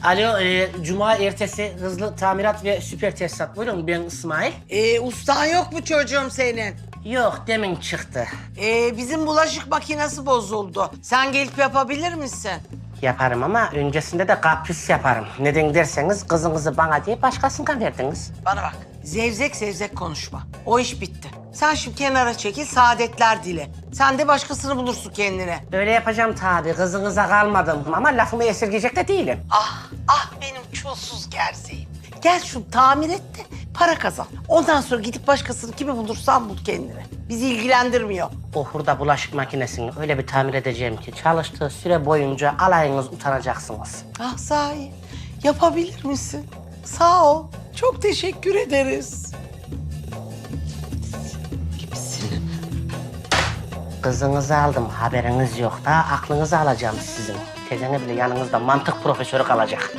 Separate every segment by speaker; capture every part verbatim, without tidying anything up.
Speaker 1: Alo, e, Cuma ertesi hızlı tamirat ve süper tesisat. Buyurun, ben İsmail.
Speaker 2: Ee, ustan yok mu çocuğum senin?
Speaker 1: Yok, demin çıktı.
Speaker 2: Ee, bizim bulaşık makinesi bozuldu. Sen gelip yapabilir misin?
Speaker 1: Yaparım ama öncesinde de kapris yaparım. Neden derseniz kızınızı bana değil başkasına verdiniz.
Speaker 2: Bana bak, zevzek zevzek konuşma. O iş bitti. Sen şimdi kenara çekil, saadetler dile. Sen de başkasını bulursun kendine.
Speaker 1: Öyle yapacağım tabii, kızınıza kalmadım ama lafımı esirgeyecek de değilim.
Speaker 2: Ah, ah benim çulsuz gerzeğim. Gel şunu tamir et de para kazan. Ondan sonra gidip başkasını kimi bulursan bul kendine. Bizi ilgilendirmiyor.
Speaker 1: O hurda bulaşık makinesini öyle bir tamir edeceğim ki çalıştığı süre boyunca alayınız utanacaksınız.
Speaker 2: Ah sahi, yapabilir misin? Sağ ol, çok teşekkür ederiz. Gibisin.
Speaker 1: Kızınızı aldım, haberiniz yok da aklınızı alacağım sizin. Tezene bile yanınızda mantık profesörü kalacak.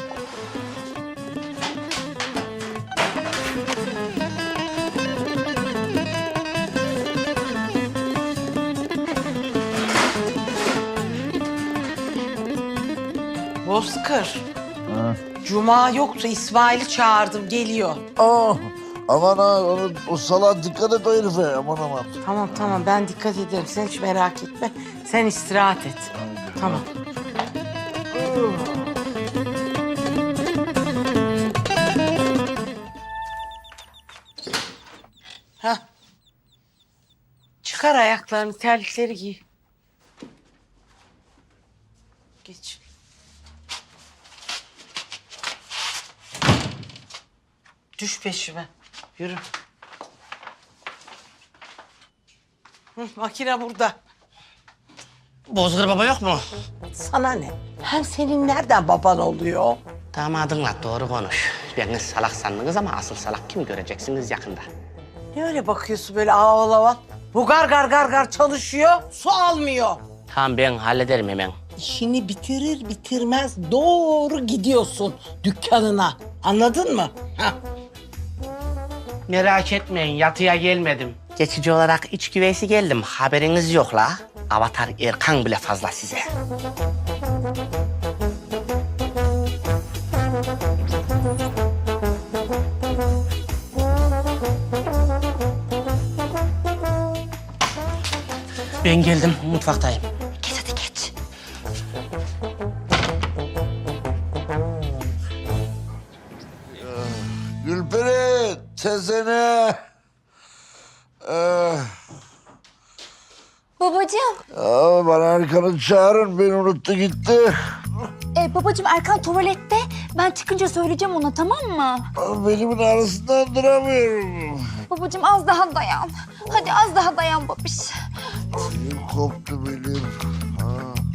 Speaker 2: Bozkır. Cuma yoksa İsmail'i çağırdım, geliyor.
Speaker 3: Aa, aman ha, onu, o salağa dikkat et o herife. Aman aman.
Speaker 2: Tamam tamam, ben dikkat ederim. Sen hiç merak etme. Sen istirahat et. Tamam. Hah. Çıkar ayaklarını, terlikleri giy. Geç. Düş peşime. Yürü. Hı, makine burada.
Speaker 1: Bozgur baba yok mu?
Speaker 2: Sana ne? Hem senin nereden baban oluyor?
Speaker 1: Damadınla doğru konuş. Beni salak sandınız ama asıl salak kim göreceksiniz yakında.
Speaker 2: Ne öyle bakıyorsun böyle ağlavan? Bu gar gar gar gar çalışıyor, su almıyor.
Speaker 1: Tamam, ben hallederim hemen.
Speaker 2: İşini bitirir bitirmez doğru gidiyorsun dükkanına. Anladın mı? Hah.
Speaker 1: Merak etmeyin, yatıya gelmedim. Geçici olarak iç güveysi geldim, haberiniz yok la. Avatar Erkan bile fazla size. Ben geldim, mutfaktayım.
Speaker 2: Geç hadi geç.
Speaker 3: Gülperi, tezene. Ee,
Speaker 4: Babacığım,
Speaker 3: ya bana Erkan'ı çağırın, beni unuttu gitti.
Speaker 4: e, babacığım Erkan tuvalette. Ben çıkınca söyleyeceğim ona, tamam mı?
Speaker 3: Belimin arasından duramıyorum.
Speaker 4: Babacığım az daha dayan. Hadi az daha dayan babiş.
Speaker 3: Belim koptu belim. Ha.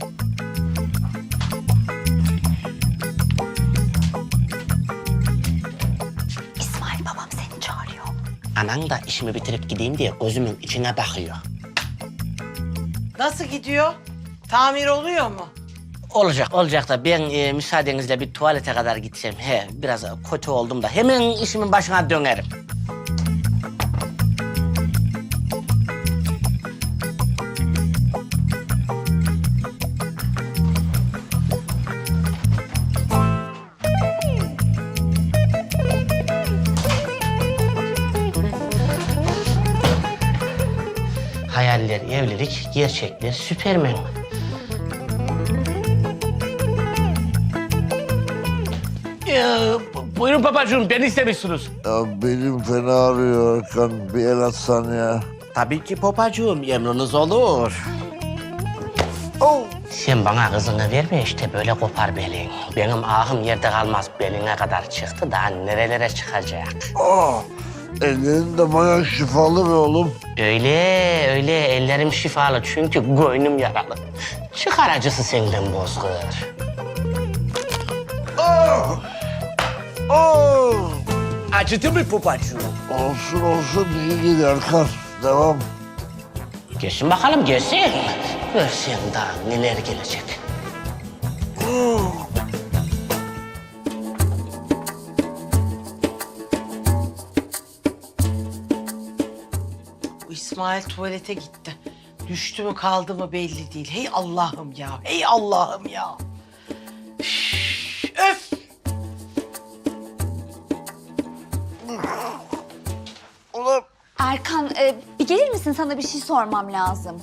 Speaker 4: İsmail babam seni çağırıyor.
Speaker 1: Anan da işimi bitirip gideyim diye gözümün içine bakıyor.
Speaker 2: Nasıl gidiyor? Tamir oluyor mu?
Speaker 1: Olacak, olacak da ben e, müsaadenizle bir tuvalete kadar gitsem. He, biraz kötü oldum da hemen işimin başına dönerim. Hayaller evlilik, gerçekler Süpermen. Ee, buyurun babacığım, beni istemişsiniz.
Speaker 3: Ya belim fena ağrıyor Erkan, bir el atsan ya.
Speaker 1: Tabii ki babacığım, emriniz olur. Oh. Sen bana kızını verme işte, böyle kopar belin. Benim ahım yerde kalmaz, beline kadar çıktı, daha nerelere çıkacak.
Speaker 3: Aa, ellerin de bayağı şifalı be oğlum.
Speaker 1: Öyle, öyle ellerim şifalı çünkü göğnüm yaralı. Çıkar acısı senden Bozkır.
Speaker 3: Ah! Oh!
Speaker 1: Acıdı mı babacığım?
Speaker 3: Olsun olsun, iyi gidiyor Erkan. Devam.
Speaker 1: Gelsin bakalım, gelsin. Görsen daha neler gelecek.
Speaker 2: Bu İsmail tuvalete gitti. Düştü mü kaldı mı belli değil. Hey Allah'ım ya, hey Allah'ım ya. Üf, öf!
Speaker 3: Ulan
Speaker 4: Erkan e, bir gelir misin? Sana bir şey sormam lazım.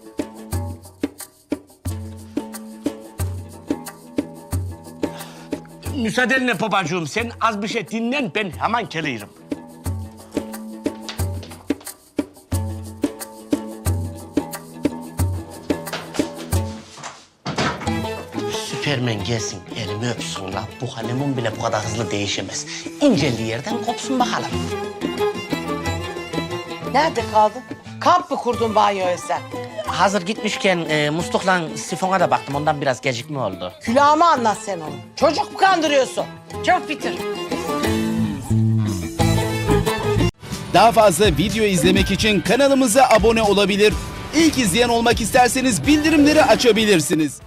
Speaker 1: Müsaadenle babacığım, sen az bir şey dinlen, ben hemen gelirim. Süpermen gelsin, elimi öpsün la. Bu kalemun bile bu kadar hızlı değişemez. İnceldiği yerden kopsun bakalım.
Speaker 2: Nerede kaldın? Kamp mı kurdun banyoya sen?
Speaker 1: Hazır gitmişken e, muslukla sifona da baktım, ondan biraz gecikme oldu.
Speaker 2: Külahıma anlat sen onu. Çocuk mu kandırıyorsun? Çabuk bitir.
Speaker 5: Daha fazla video izlemek için kanalımıza abone olabilir. İlk izleyen olmak isterseniz bildirimleri açabilirsiniz.